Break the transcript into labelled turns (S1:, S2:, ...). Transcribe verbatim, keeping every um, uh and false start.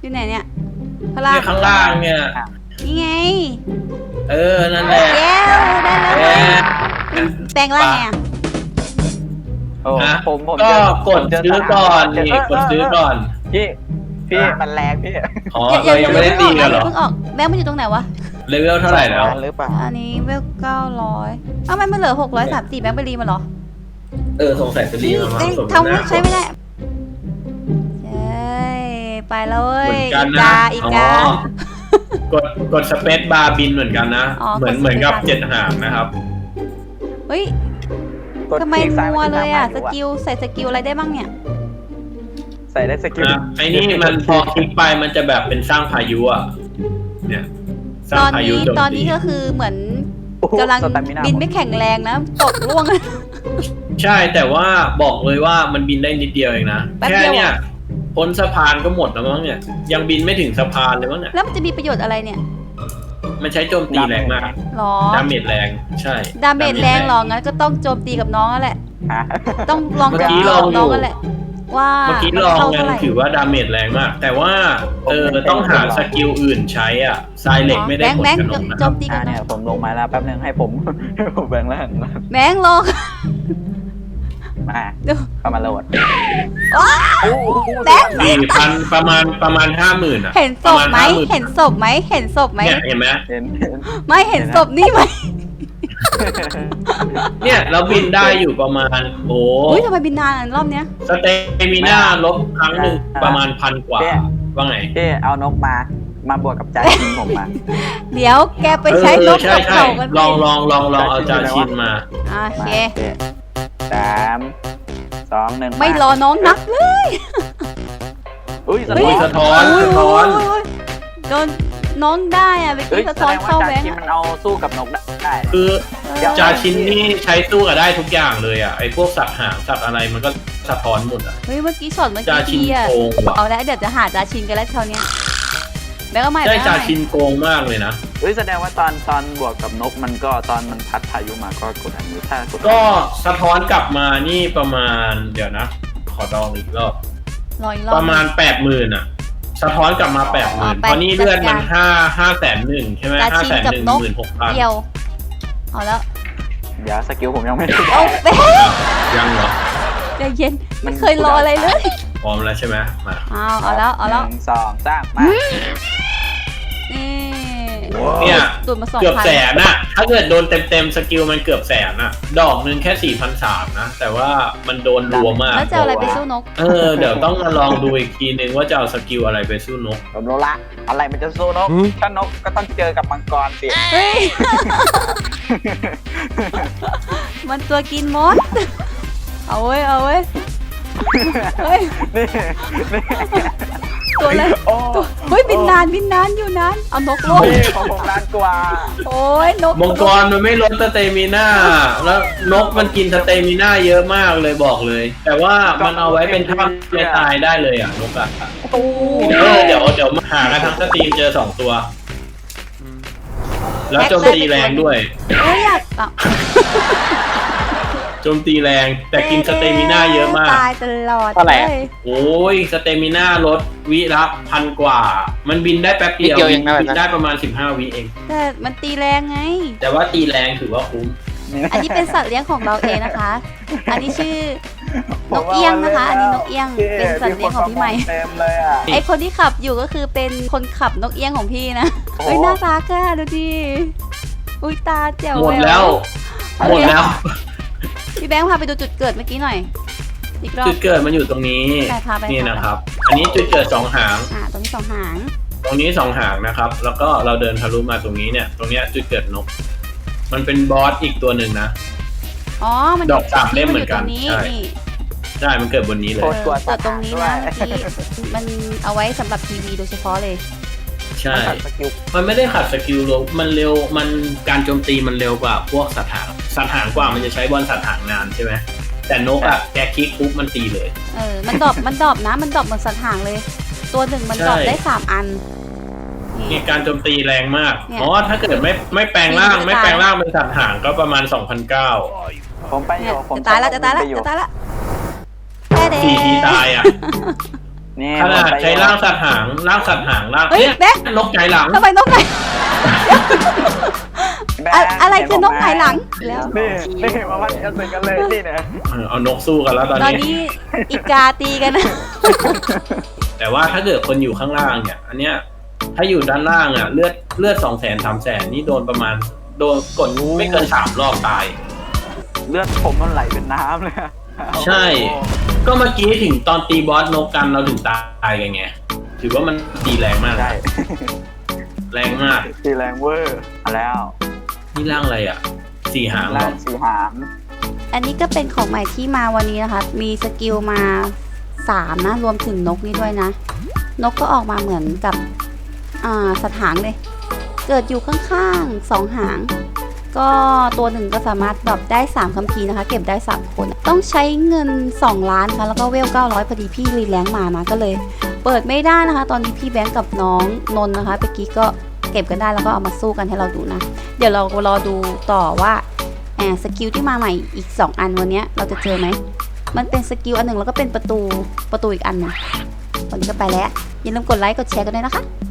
S1: อยู่ไหนเนี่ยข้างล่าง
S2: เนี่ยข้างล่างเนี่ย
S1: นี่ไง
S2: เออนั่นแหละ
S1: เย้ได้แล้วแปลงร่างไงอ่ะ
S3: โอ้
S2: ฮะ
S3: ผมผม
S2: ก็
S3: เจอก
S2: ดซื้อก่อนนี่กดซื้อก่อน
S3: พี่พี่มันแรงพี่
S2: อ๋อเรายังไม่ได้ตีกันเหรอ
S1: เพิ่งออกแบงค์มันอยู่ตรงไหนวะ
S2: เลเวลเท่าไหร่แล้ว
S3: หรือเปล่า
S1: อันนี้เวลเก้าร้อยเอ้ามันไม่เหลือหกร้อยสามสิบแบงค์ไปรีมาเหรอ
S2: เออสงสัยจะรีมา
S1: เอ้ย
S2: สม
S1: ทำ
S2: น้า
S1: ใช้ไม่ได้เย้ไปแล้วเว้
S2: เห
S1: ย
S2: มือนกัน
S1: อี
S2: นะ
S1: กาอี
S2: อ๋
S1: กา
S2: อกดกดสเปซบาร์บินเหมือนกันนะ
S1: อ๋อ
S2: เหมือน
S1: กด
S2: เหมือนกับ
S1: space bar
S2: เจ็ดหางนะครับ
S1: เฮ้ย
S3: กด
S1: ทำไม
S3: คลิกซ้า
S1: มัวเลยอ่ะ
S3: มัน
S1: ส
S3: จะทำให้
S1: กิลใส่สกิลอะไรได้บ้างเนี่ย
S3: ใส่ได้สกิล
S2: นะไอ้นี่มันพอคลิกไปมันจะแบบเป็นสร้างพายุอ่ะเนี่ยสร้า
S1: ต
S2: ง
S1: อน
S2: พายุ
S1: นี้
S2: โจม
S1: ตอนนี้
S2: ตี
S1: ก็คือเหมือน
S3: โอ้โห
S1: กำลัง
S3: สแตมิา
S1: บินไม่แข็งแรงนะตกล่วง
S2: ใช่แต่ว่าบอกเลยว่ามันบินได้นิดเดียวเองนะ
S1: แป๊บ
S2: แค่
S1: เดียว
S2: เนี่ยพ้นสะพานก็หมดแล้วมั้งเนี่ยยังบินไม่ถึงสะพานเลยมั้งเนี่ย
S1: แล้วมันจะมีประโยชน์อะไรเนี่ย
S2: มันใช้โจมตีแรงมาก
S1: หรอ
S2: ดาเมจแรงใช่
S1: ดาเมจแรงหรองั้นก็ต้องโจมตีกับน้องแล้วแหละ
S3: ฮะ
S1: ต้องลอง
S2: เมื่อ
S1: โจม
S2: กี้
S1: ตี
S2: ลอง
S1: กับ
S2: อ
S1: น้อยู่ งกันแหละ ว่า
S2: เมื่อกี้
S1: มัน
S2: ลอง
S1: เข้า
S2: กั
S1: เท่าน ไหร่
S2: ถือว่าดาเมจแรงมาก แต่ว่าเออต้องหาสกิลอื่นใช้อ่ะทรายเหล็กไม่ได้ผล
S1: แบงค์
S2: ขน
S1: แบง
S2: ม
S1: ค์
S2: นะ
S1: โจ
S2: ครับ
S1: มตีกั
S3: อ่า
S1: บน้
S3: เนี่
S1: อย ง
S3: ผมลงมาแล้วแป๊บนึงให้ผม ให้ผมแบ่งร่างก่อน
S1: แบงค์ลอง
S3: มา
S1: เดี๋ยว
S3: เข้ามาโหลด
S1: ว้า
S3: โอ้โห
S1: แบงค์
S2: สี่พันประมาณประมาณห้าหมื่นอ่ะ
S1: เห็นศ
S2: ประ
S1: พ
S2: มาณ
S1: ไหม
S2: ห้าหมื่น
S1: เห็นศพไหมเห็นศพไหม
S2: เนี่ยเห็นไหม
S3: เห็นเห็น
S1: ไม่เห็นศพนี่ไหม
S2: เนี่ยเราบินได้อยู่ประมาณโอ้
S1: อุ้ยทำไมบินนานอ่ะรอบเนี้ย
S2: สเตมิน่าลบครั้งหนึ่งประมาณพันกว่าว่าไง
S3: พี่เอานกมามาบวกกับจานชินผมมา
S1: เดี๋ยวแกไปใช้
S2: เออน
S1: ก
S2: ใช่
S1: กับ
S2: ใช่
S1: เขากัน
S2: ลองลองลองลองเอาจาชินมา
S1: อ่ะโอ
S3: มา
S1: เค
S3: พี่สามสองหนึ่ง
S1: ไม่รอน้องนับเลย
S3: อุ้ยสะ
S1: เฮ้
S3: ท้
S1: ย
S3: อน
S2: สะท้อน
S1: โย
S2: สะท้อน
S1: โยโยโดนน้องได้อ่ะเมื่อ
S3: เฮ้ย
S1: กี้สะ
S3: แส
S1: ท้อ
S3: ด
S1: น
S3: งว่า
S1: เข้า
S3: จาน
S1: แบงค์
S3: ชิน
S1: อะ
S3: มันเอาสู้กับนกได้
S2: คือ
S1: เดี๋ยว
S2: จาชินนี่ใช้สู้กับได้ทุกอย่างเลยอ่ะไอ้พวกสัตว์หางสัตว์อะไรมันก็สะท้อนหมดอ่ะ
S1: เฮ้ยเมื่อกี้ช็อตเมื่อ
S2: จา
S1: กี้
S2: ชิน
S1: พี่อ่ะ
S2: โกงว่ะ
S1: เอาแล้วเดี๋ยวจะหาจาชินกันแล้วเท่านี้แบงค์ก็ใหม่
S2: ได้
S1: แบงค์
S2: จา
S1: ก็ใหม่
S2: ชินโกงมากเลยนะ
S3: เฮ้ยแสดงว่าตอนตอนบวกกับนกมันก็ตอนมันพัดพายุมาก็กดอันนี้ถ้ากด
S2: ก็สะท้อนกลับมานี่ประมาณเดี๋ยวนะ ขอดองอีกรอบ
S1: รออีกรอบ
S2: ประมาณแปดหมื่นอ่ะ สะท้อนกลับมาแปดห
S1: อ๋
S2: มื่
S1: อน แปด
S2: เพราะนี่เลือดมัน
S1: จัดการ
S2: ห้าห้าแสนหนึ่งใช่ไหม
S1: จา
S2: ห้า
S1: ชิน
S2: แสน
S1: กับ
S2: หนึ่ง
S1: นก
S2: หมื่นหกพัน
S1: เดียวเอาแล้ว
S3: เดี๋ยวสกิลผมยังไม่ได้
S1: เอาแบงค์
S2: ยังเหรอ
S1: ใจเย็นไม่เคยรออะไรเลย
S2: พร้อมแล้วใช่ไหมมา
S1: เอาเอาแล้วเอาแล้ว
S3: หนึ่งสองสามมา
S1: นี่
S2: เนี่ย
S1: ดูดมาสอง
S2: เกือบ
S1: พัน
S2: แสนอะถ้าเกิดโดนเต็มเต็มๆสกิลมันเกือบแสนอะดอกหนึ่งแค่สี่พันสามนะ แต่ว่ามันโดนรัวมาก
S1: แล้วจะเอาอะไรไปสู้นก
S2: เออเดี๋ยวต้องมาลองดูอีกทีนึงว่าจะเอาสกิลอะไรไปสู้นก
S3: ผมรู้ละอะไรมันจะสู้นกถ้านกก็ต้องเจอกับมังกรสิ
S1: เฮ้ย มันตัวกินมด เอาเว้ย เอาเว้ย เฮ้ย
S3: นี่นี่
S1: ตัวอะไร
S3: โอ้
S1: ตัวเฮ้ย บินนาน บินนานอยู่นาน เอานกลง
S3: นี่ของผมนานกว่า
S1: โอ้ยนก
S2: มังกรมันไม่ลดสเตมิน่าแล้วนกมันกินสเตมิน่าเยอะมากเลยบอกเลย แต่ว่ามันเอาไว้เป็นท่าไม่ตายได้เลยอ่ะนกอ่ะ
S1: โอ้
S2: เออเดี๋ยวเดี๋ยวมาหากันทั้งสตรีมเจอสองตัว แล้วโจมตีแรงด้วย
S1: เฮ้ยอยากอ่ะ
S2: โจมตีแรงแต่กินสเตมิน่าเยอะมาก
S1: ตายตลอด
S3: เท่าไหร่
S1: เลย
S2: โอ้ยสเตมิน่าลดวิละพันกว่า มันบินได้แป๊บเดียว
S3: นิดเดียวเองนะ
S2: บินได้ประมาณสิบห้าวิเอง
S1: แต่มันตีแรงไง
S2: แต่ว่าตีแรงถือว่าคุ้ม
S1: อันนี้เป็นสัตว์เลี้ยงของเราเองนะคะ อันนี้ชื่อนกเอี้ยงนะคะ อันนี้นกเอี้ยง เป็นสัตว์เลี้ยงของพี่ใหม่
S3: เต็มเลยอ่ะ
S1: ไอคนที่ขับอยู่ก็คือเป็นคนขับนกเอี้ยงของพี่นะ
S3: โอ้
S1: เฮ้ยน่ารักอะดูดิ อุ้ยตาเจ๋ว
S2: หมด
S1: ว
S2: แล้ว หมดแล้ว
S1: พี่แบงค์พาไปดูจุดเกิดเมื่อกี้หน่อย อีกรอบ
S2: จุดเกิดมันอยู่ตรงนี้
S1: ไปพาไป
S2: นี่
S1: พาไป
S2: นะครับ อันนี้จุดเกิดสองหาง
S1: อ่าตรงนี้สองหาง
S2: ตรงนี้สองหางนะครับ แล้วก็เราเดินทะลุมาตรงนี้เนี่ย ตรงเนี้ยจุดเกิดนก มันเป็นบอสอีกตัวหนึ่งนะ
S1: อ๋อ มัน
S2: ดอกสามเล่มเหมือนกัน
S1: ตรงนี้
S2: ใช่
S1: นี่
S2: ใช่ มันเกิดบนนี้เล
S1: เอย
S3: กลัว
S1: อเกิดตรงนี้นะ
S3: ด้
S1: เมื่
S3: ว
S1: อย กี้มันเอาไว้สำหรับทีวีโดยเฉพาะเลย
S2: ใช่
S3: ตัดสกิล
S2: มันไม่ได้ขัดสกิลลงมันเร็ว มันการโจมตีมันเร็วกว่าพวกสัตว์หาง สัตว์หางกว่ามันจะใช้บอลสัตว์หางนานใช่ไหม แต่นกอะแกคลิกปุ๊บมันตีเลย
S1: เออ มันดรอปมันดรอปนะ มันดรอปเหมือนสัตว์ห่างเลย ตัวหนึ่งมันดรอป
S2: ใช่
S1: ได้สามอัน นี่
S2: นี่การโจมตีแรงมาก
S1: เนี่ย
S2: อ๋อถ้าเกิดไม่ไม่แปลงร่าง
S1: นี่
S2: ไม่แปลงร่างเป็นสัตว์หางก็ประมาณ สองพันเก้าร้อย
S3: ผมไปอ
S1: เนี่ย
S3: ยู่ผม
S1: จะตายแล้วจะตายแล้ว
S3: ไปอยู่
S1: จะตายแล้วแค่เด็
S2: สี่ทีตายอ่ะ
S3: นนี่
S2: ขนาดใช้ร่างสัตว์หางร่างสัตว์หางร่าง
S1: เฮ้ย
S2: เนี่ย
S1: แบงค์
S2: นกไก่หลัง
S1: ทำไมนกไง
S3: แบง
S1: อะ
S3: ค์
S1: อะไรคือนกไงหลังแล้ว
S3: นี่นี่มาวัดกันสึกกันเลยนี่นะ
S2: เออเอานกสู้กันแล้วตอน
S1: ตอน
S2: นี้
S1: นี้อีกาตีกันนะ
S2: แต่ว่าถ้าเกิดคนอยู่ข้างล่างเนี่ย อันเนี้ยถ้าอยู่ด้านล่างอ่ะเลือดเลือดสองแสนสามแสนนี่โดนประมาณโดนกดไม่เกินสามรอบตาย
S3: เลือดผมมันไหลเป็นน้ำเลยอะ
S2: ใช่ ก็เมื่อกี้ถึงตอนตีบอสนกกันเราถึงตายกันไงถือว่ามันตีแรงมาก
S3: ใช่
S2: แรงมาก
S3: ตีแรงเวอร์มาแล้ว
S2: นี่ร่างอะไรอ่ะสี่หางเหร
S3: ล่า
S2: อง
S3: สีหาง
S1: อันนี้ก็เป็นของใหม่ที่มาวันนี้นะคะ มีสกิลมาสามนะ รวมถึงนกนี่ด้วยนะ นกก็ออกมาเหมือนกับอ่าสัตว์หางเลย เกิดอยู่ข้างๆสองหาง ก็ตัวหนึ่งก็สามารถดรอปได้สามคัมภีร์นะคะ เก็บได้สามคน ต้องใช้เงินสองล้านค่ะ แล้วก็เวลเก้าร้อยพอดีพี่รีแลงค์มานะ ก็เลย เปิดไม่ได้นะคะ ตอนนี้พี่แบงค์กับน้องนนท์นะคะเมื่อกี้ก็เก็บกันได้แล้วก็เอามาสู้กันให้เราดูนะ เดี๋ยวเรารอดูต่อว่าแอบสกิลที่มาใหม่อีกสองอันวันนี้เราจะเจอไหม มันเป็นสกิลอันหนึ่งแล้วก็เป็นประตูประตูอีกอันหนึ่งวันนี้ก็ไปแล้ว อย่าลืมกดไลค์กดแชร์กันด้วยนะคะ